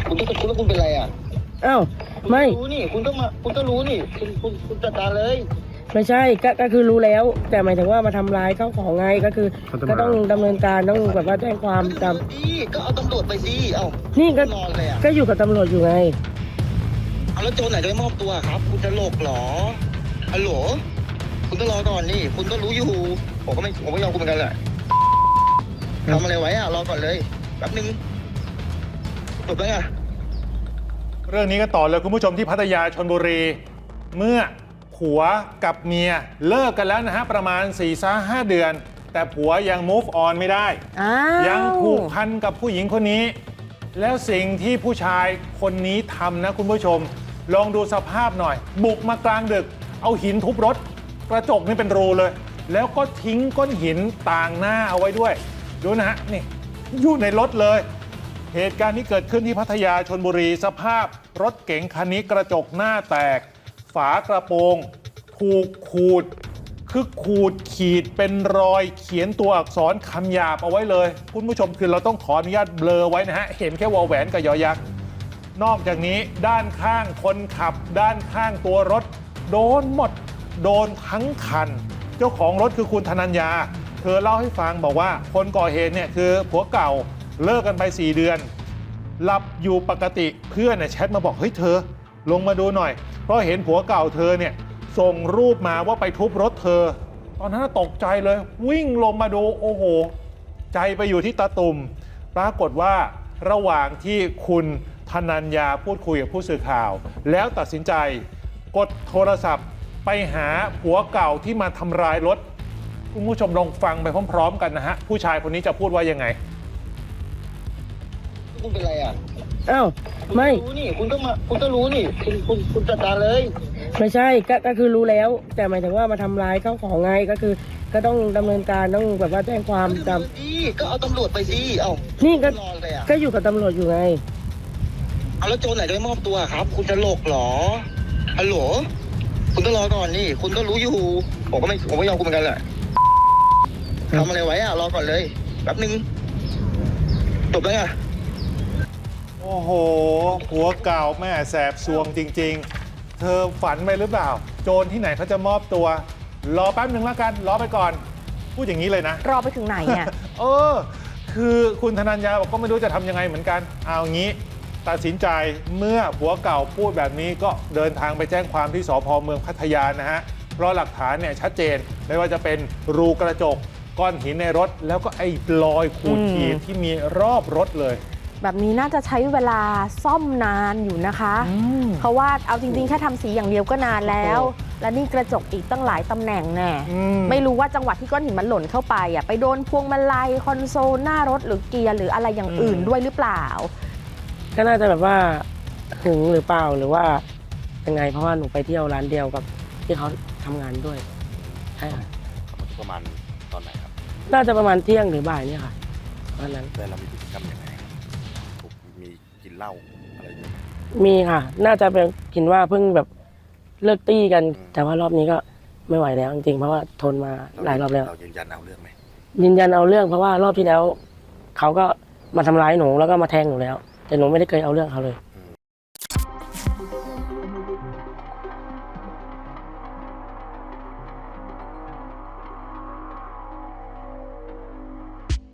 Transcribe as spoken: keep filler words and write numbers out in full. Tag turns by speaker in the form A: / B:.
A: คุณก็คุณแล้วคุณเป็นไรอ่ะ
B: อ้าวไม่
A: รู้นี่คุณก็มาคุณก็รู้นี่คุณคุณคุณจัดการเลย
B: ไม่ใช่ก็ก็คือรู้แล้วแต่หมายถึงว่ามาทำร้ายเข้าของไงก็คือก็ต้องดำเนินการต้องแบบว่าแจ้งความตาม
A: ก็เอาตำรวจไปสิเอ้า
B: นี่ก็
A: นอนเลยอ่ะ
B: ก็อยู่กับตำรวจอยู่ไง
A: เอาแล้วโจรไหนจะไม่มอบตัวครับคุณจะโลกหรอฮัลโหลคุณก็รอก่อนนี่คุณก็รู้อยู่ผมก็ไม่ผมไม่ยอมคุณเหมือนกันแหละทำอะไรไว้อ่ะรอก่อนเลยแป๊บนึงจบแล้วไง
C: เรื่องนี้ก็ต่อเลยคุณผู้ชมที่พัทยาชลบุรีเมื่อผัวกับเมียเลิกกันแล้วนะฮะประมาณ สี่ถึงห้า เดือนแต่ผัวยัง move on ไม่ได้ยังผูกพันกับผู้หญิงคนนี้แล้วสิ่งที่ผู้ชายคนนี้ทำนะคุณผู้ชมลองดูสภาพหน่อยบุกมากลางดึกเอาหินทุบรถกระจกนี่เป็นรูเลยแล้วก็ทิ้งก้อนหินต่างหน้าเอาไว้ด้วยดูนะฮะนี่อยู่ในรถเลยเหตุการณ์นี้เกิดขึ้นที่พัทยาชลบุรีสภาพรถเก๋งคันนี้กระจกหน้าแตกฝากระโปรงถูกขูดคือขูดขีดเป็นรอยเขียนตัวอักษรคำหยาบเอาไว้เลยคุณผู้ชมคือเราต้องขออนุญาตเบลอไว้นะฮะเห็นแค่วอแหวนกับยอยักษ์นอกจากนี้ด้านข้างคนขับด้านข้างตัวรถโดนหมดโดนทั้งคันเจ้าของรถคือคุณธนัญญาเธอเล่าให้ฟังบอกว่าคนก่อเหตุเนี่ยคือผัวเก่าเลิกกันไปสี่เดือนหลับอยู่ปกติเพื่อนเนี่ยแชทมาบอกเฮ้ยเธอลงมาดูหน่อยเพราะเห็นผัวเก่าเธอเนี่ยส่งรูปมาว่าไปทุบรถเธอตอนนั้นตกใจเลยวิ่งลงมาดูโอ้โหใจไปอยู่ที่ตาตุ่มปรากฏว่าระหว่างที่คุณธนัญญาพูดคุยกับผู้สื่อข่าวแล้วตัดสินใจกดโทรศัพท์ไปหาผัวเก่าที่มาทำร้ายรถคุณผู้ชมลองฟังไปพร้อมๆกันนะฮะผู้ชายคนนี้จะพูดว่ายังไง
A: คุณเป็นไรอ่ะ
B: อ้าวไม่
A: รู้นี่คุณก็มาคุณก็รู้นี่คุณคุณคุณจัดการเลย
B: ไม่ใช่ก็ก็คือรู้แล้วแต่หมายถึงว่ามาทำร้ายเข้าของไงก็คือก็ต้องดำเนินการต้องแบบว่าแจ้งความตาม
A: ก็เอาตำรวจไปสิเอ้า
B: นี่ก็ก็อยู่กับตำรวจอยู่ไง
A: เอาแล้วโจรไหนจะไม่มอบตัวครับคุณจะโลกหรอฮัลโหลคุณก็รอก่อนนี่คุณก็รู้อยู่ผมก็ไม่ผมไม่ยอมคุณเหมือนกันแหละทำอะไรไว้อ่ะรอก่อนเลยแป๊บนึงจบแล้วไง
C: โอ้โหผัวเก่าแม่แสบซวงจริงๆเธอฝันไปหรือเปล่าโจรที่ไหนเขาจะมอบตัวรอแป๊บหนึ่งแล้วกันรอไปก่อนพูดอย่างนี้เลยนะ
D: รอไปถึงไหนเนี่ย
C: เออคือคุณธนัญญาบอกก็ไม่รู้จะทำยังไงเหมือนกันเอางี้ตัดสินใจเมื่อผัวเก่าพูดแบบนี้ก็เดินทางไปแจ้งความที่สภ.เมืองพัทยานะฮะเพราะหลักฐานเนี่ยชัดเจนไม่ว่าจะเป็นรูกระจกก้อนหินในรถแล้วก็ไอ้รอยขูดขีดที่มีรอบรถเลย
D: แบบนี้น่าจะใช้เวลาซ่อมนานอยู่นะคะเพราะว่าเอาจริงๆแค่ทำสีอย่างเดียวก็นานแล้วและนี่กระจกอีกตั้งหลายตำแหน่งแน่ไม่รู้ว่าจังหวะที่ก้อนหินมันหล่นเข้าไปอ่ะไปโดนพวงมาลัยคอนโซลหน้ารถหรือเกียร์หรืออะไรอย่างอื่นด้วยหรือเปล่า
B: ก็น่าจะแบบว่าหึงหรือเปล่าหรือว่ายังไงเพราะว่าหนูไปเที่ยวร้านเดียวกับที่เขาทำงานด้วยใช่ค่ะ
E: ประมาณตอนไหนครับ
B: น่าจะประมาณเที่ยงหรือบ่ายเนี่ยค่ะวันนั้น
E: แต่เรามีพฤติกรรมยังไงมีกินเหล้าอะไรอย่างเงี้ย
B: มีค่ะน่าจะเป็นกินว่าเพิ่งแบบเลิกตี้กันแต่ว่ารอบนี้ก็ไม่ไหวแล้วจริงๆเพราะว่าทนมาหลายรอบแล้ว
E: เรายืนยันเอาเรื่องไหม
B: ยืนยันเอาเรื่องเพราะว่ารอบที่แล้วเขาก็มาทำร้ายหนูแล้วก็มาแทงหนูแล้วแต่หนูไม่ได้เคยเอาเรื่องเขาเลย